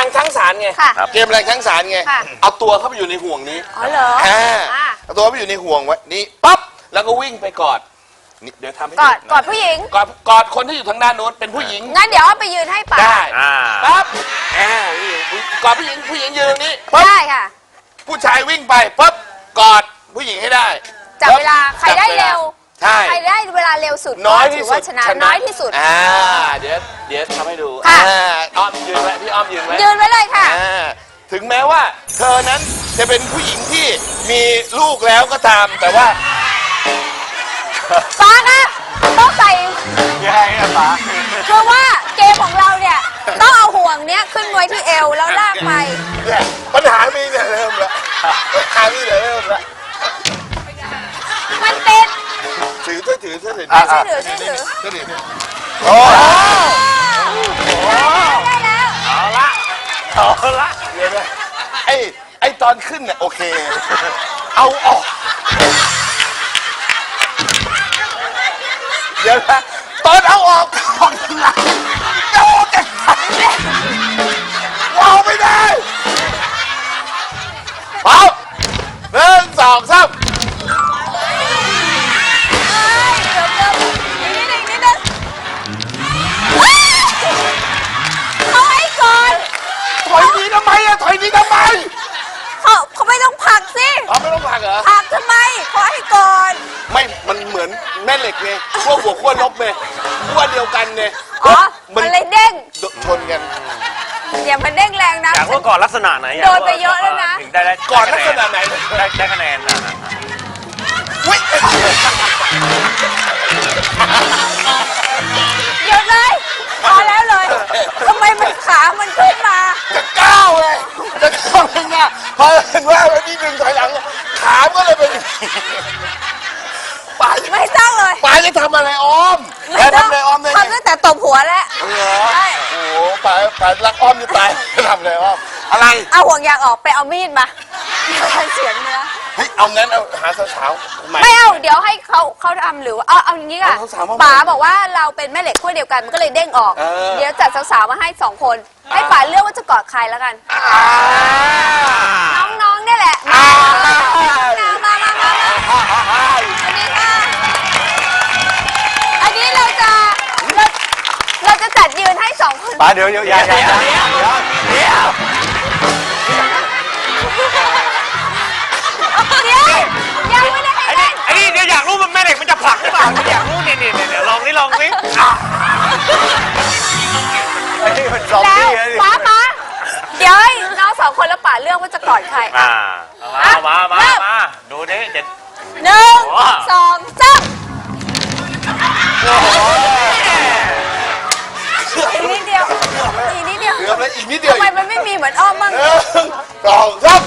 งทั้งสารไงเกมแรงทั้งสารไงเอาตัวเข้าไปอยู่ในห่วงนี้อ๋อเหรอเอาตัวไปอยู่ในห่วงไว้นี่ปั๊บแล้วก็วิ่งไปกอดเดี๋ยวทำให้กอดผู้หญิงกอดคนที่อยู่ทางด้านโน้นเป็นผู้หญิงงั้นเดี๋ยวเอาไปยืนให้ป่าได้ปั๊บกอดผู้หญิงยืนตรงนี้ได้ค่ะผู้ชายวิ่งไปปั๊บกอดผู้หญิงให้ได้จับเวลาใครได้เร็วใครได้เวลาเร็วสุดน้อยที่สุดชนะน้อยที่สุดเดี๋ยวทำให้ดูอ้อมยืนไว้พี่อ้อมยืนไว้เลยค่ะถึงแม้ว่าเธอนั้นจะเป็นผู้หญิงที่มีลูกแล้วก็ตามแต่ว่าฟ้าคะต้องใส่ยังไงอะฟ้าคือว่าเกมของเราเนี่ยต้องเอาห่วงเนี้ยขึ้นไว้ที่เอวแล้วลากไปปัญหามีเนี่ยเริ่มละปัญหามีเนี่ยเริ่มละมันติดถือช่วยถือโอ้ได้แล้วเอาละเดี๋ยวนะไอ้ตอนขึ้นเนี่ยโอเคเอาออกเดี๋ยวนะตอนเอาออกหลังจะออกกันว้าวไม่ได้ว้าว1 2 3ถอยนี้ทำไมเขาไม่ต้องผลักสิไม่ต้องผลักเหรอผลักทำไมขอให้ก่อนไม่มันเหมือนแม่เหล็กไงพวกหัวขั้วลบไงขั้วเดียวกันไงมันเลยเด้งชนกันอย่ามันเด้งแรงนะอยากว่าก่อนลักษณะไหนโดนไปเยอะแล้วนะถึงได้ก่อนลักษณะไหนได้คะแนนนะหยุดเลยพอแล้วเลยทำไมมันขามันขึ้นมาจะก้าวเลยจะก้าวเลยนะพอเห็นว่าวันนี้ดึงถอยหลังขาก็เลยเป็นป่าไม่ต้องเลยป่าจะทำอะไรอ้อมทำอะไรอ้อมได้ทำตั้งแต่ตบหัวแล้วใช่โอ้โหป่ารักอ้อมจะตายทำอะไรอ้อมอะไรเอาห่วงยางออกไปเอามีดมาเสียงเนื้อเฮ้ยเอางั้นเอาหาสาวๆไม่เอาเดี๋ยวให้เขาทำหรือเอาอย่างนี้ค่ะป๋าบอกว่าเราเป็นแม่เหล็กขั้วเดียวกันมันก็เลยเด้งออกเดี๋ยวจัดสาวๆมาให้2 คนให้ป๋าเลือกว่าจะกอดใครแล้วกันน้องๆนี่แหละมาอันนี้เราจะจัดยืนให้2 คนป๋าเดี๋ยวอย่ายังไม่ได้ให้เล่นไอ้นี่เดี๋ยวอยากรู้มันแม่เหล็กมันจะผลักหรือเปล่าอยากรู้เนี่ยลองนี่แล้วป๋าเดี๋ยวน้อง2 คนแล้วป๋าเลือกว่าจะกอดใครมาดูนี่1 2 3อีกนิดเดียวเหลือแล้วอีกนิดเดียวทำไมมันไม่มีเหมือนอ้อมบ้าง 1 2 3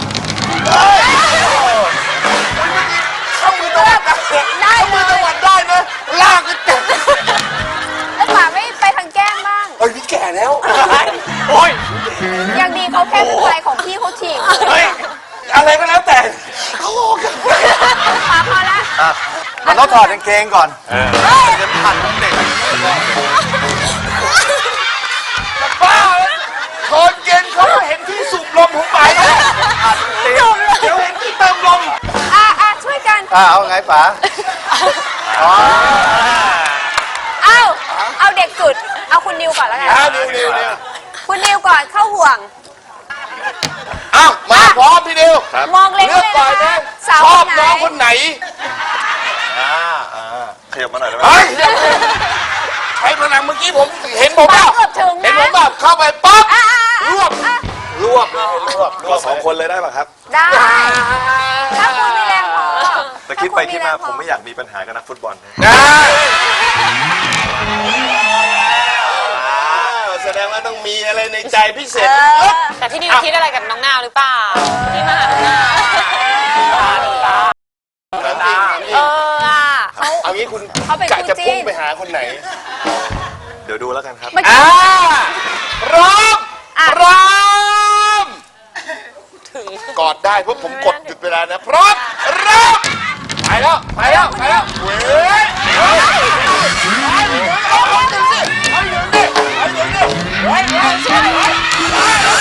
เข้ามือตะวัดได้มือตะวัดได้นะลากก็เจ็บแล้วป๋าไม่ไปทางแก้มบ้างพี่แก่แล้วโอ้ยยังดีเขาแค่เป็นไรของพี่เขาฉีกอะไรก็แล้วแต่ป๋าพอละมันต้องถอดกางเกงก่อนจะผ่านเด็กบ้าคนเกณฑ์เขาเห็นที่สูบลมของไปเดี๋ยวเห็นที่เติมลมช่วยกันเอาไงป๋าเอาเด็กสุดเอาคุณนิวก่อนแล้วกันนิวคุณนิวก่อนเข้าห่วงมาพร้อมพี่นิวมองเล็กเลยก่อนนะชอบน้องคนไหนขยับมาหน่อยได้ไหมใช้พลังเมื่อกี้ผมเห็นผมแบบเข้าไปปั๊บรวบ2 คนเลยได้ป่ะครับได้ถ้าคุณมีแรงพอแต่คิดไปคิดมาผมไม่อยากมีปัญหากับนักฟุตบอลแสดงว่าต้องมีอะไรในใจพิเศษแต่พี่นิวคิดอะไรกับน้องนาวหรือเปล่าที่มาหาน้องนาวเอางี้คุณกะจะพุ่งไปหาคนไหนเดี๋ยวดูแล้วกันครับพร้อมกอดได้เพราะผมกดหยุดเวลานะพร้อมเริ่มไปแล้วเว้ย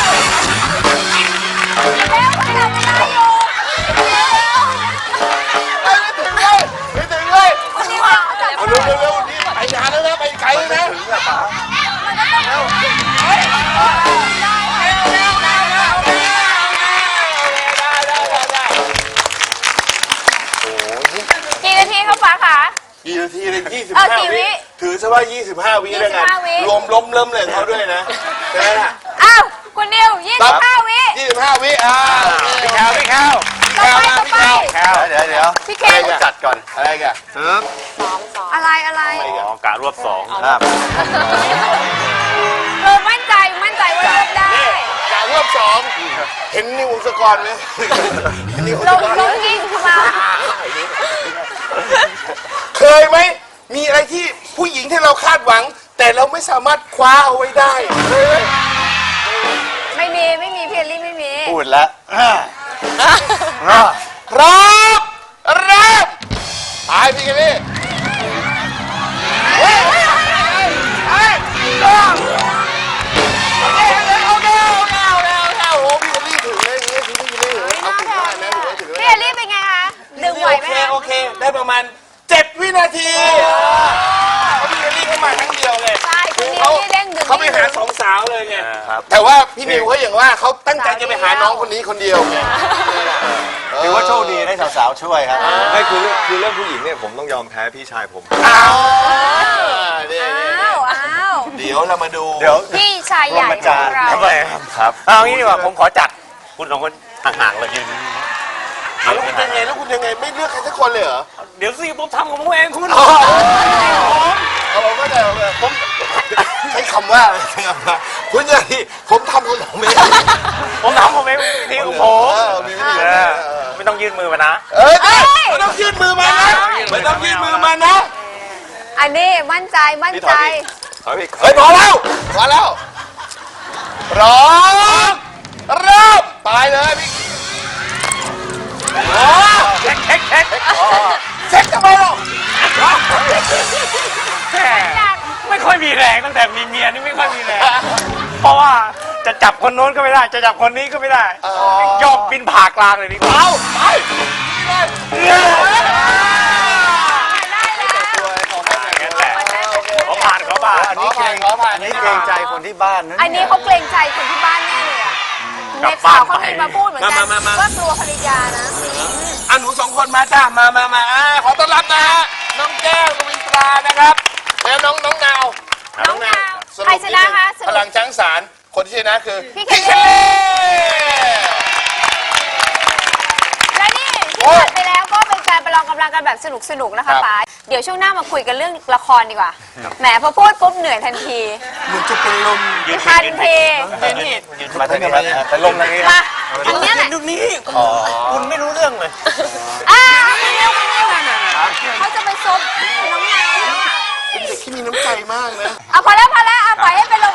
ว่า 25 วิแล้วกัน 25 วิรวมล้มเริ่มเลยเขาด้วยนะใช่ไหมล่ะอ้าวคุณนิว25 วิ 25 วิพี่แคลพี่แคลต่อไปต่อไปแคลเดี๋ยวพี่เคอะไรกันจัดก่อนอะไรกันอะไรอะไรอ๋อกะรวบสองครับมั่นใจว่าเลือกได้จากรอบ2เห็นนิวสกรไหมเห็นนิวสลงกรลงยิงคือมาเคยไหมมีอะไรที่ผู้หญิงที่เราคาดหวัง แต่เราไม่สามารถคว้าเอาไว้ได้เคยไหมไม่มีพี่เอลลี่ไม่มีพูดแล้วพร้อมเริ่มไปพี่กันนี่โอเคโอ้พี่กันนี่ถึงเลยพี่กันนี่เอาถึงได้นะถึงพี่เอลลี่เป็นไงคะดึงไหวไหมคะโอเคได้ประมาณ7 วินาทีพี่กันนี่เข้ามาครั้งเดียวเลยใช่คุณนิวนี่เด้งดึงเขาไปหา2 สาวเลยไงครับแต่ว่าพี่นิวเขาอย่างว่าเขาตั้งใจจะไปหาน้องคนนี้คนเดียวไงถือว่าโชคดีได้สาวๆช่วยครับไม่คือเรื่องผู้หญิงเนี่ยผมต้องยอมแพ้พี่ชายผมอ้าวเดี๋ยวเรามาดูเดี๋ยวพี่ชายใหญ่ของเราทำไมครับเอางี้ดีกว่าผมขอจัดคุณสองคนห่างๆเลยยืนแล้วคุณยังไงไม่เลือกใครสักคนเลยเหรอเดี๋ยวสิผมทำของผมเองคุณเราก็ได้ผมใช้คำว่าคุณยังผมทำของผมเองผมทำผมเองทีของผมมีวิธีไม่ต้องยื่นมือมานะไม่ต้องยื่นมือมานะไม่ต้องยื่นมือมานะอันนี้มั่นใจเฮ้ยพอแล้วพร้อมเริ่มไปเลยพี่เช็คเช็คทำไมล่ะแม่ไม่ค่อยมีแรงตั้งแต่มีเมียนี่ไม่ค่อยมีแรง เพราะว่าจะจับคนโน้นก็ไม่ได้ จะจับคนนี้ก็ไม่ได้ยอมบินผ่ากลางเลยดีกว่าเอาไปเขาผ่านอันนี้เกรงใจคนที่บ้านนะอันนี้เขาเกรงใจคนที่บ้านแน่เลยอ่ะในข่าวเขามีมาพูดเหมือนกันว่ากลัวภรรยานะอันหนู2 คนมาจ้ามาขอต้อนรับนะฮะน้องแก้วกวินตรานะครับแล้วน้องนาวน้องนาวใครชนะคะสพรุลัปงช้างสารคนที่ชนะคือพี่เคลลี่ และนี่ที่ผ่านไปแล้วก็เป็นการประลองกำลังกันแบบสนุกๆนะคะป๋าเดี๋ยวช่วงหน้ามาคุยกันเรื่องละครดีกว่าแหมพอพูดปุ๊บเหนื่อยทันทีเหมือนจะเป็นลมทันทีมาทางนี้ไปลงทางนี้มาอันเนี้ยแหละดูนี่คุณไม่รู้เรื่องเลยคุณนิวเขาจะไปซบน้องนาวแล้วอ่ะเป็นเด็กที่มีน้ำใจมากนะเอาพอแล้วเอาปล่อยให้เป็นลม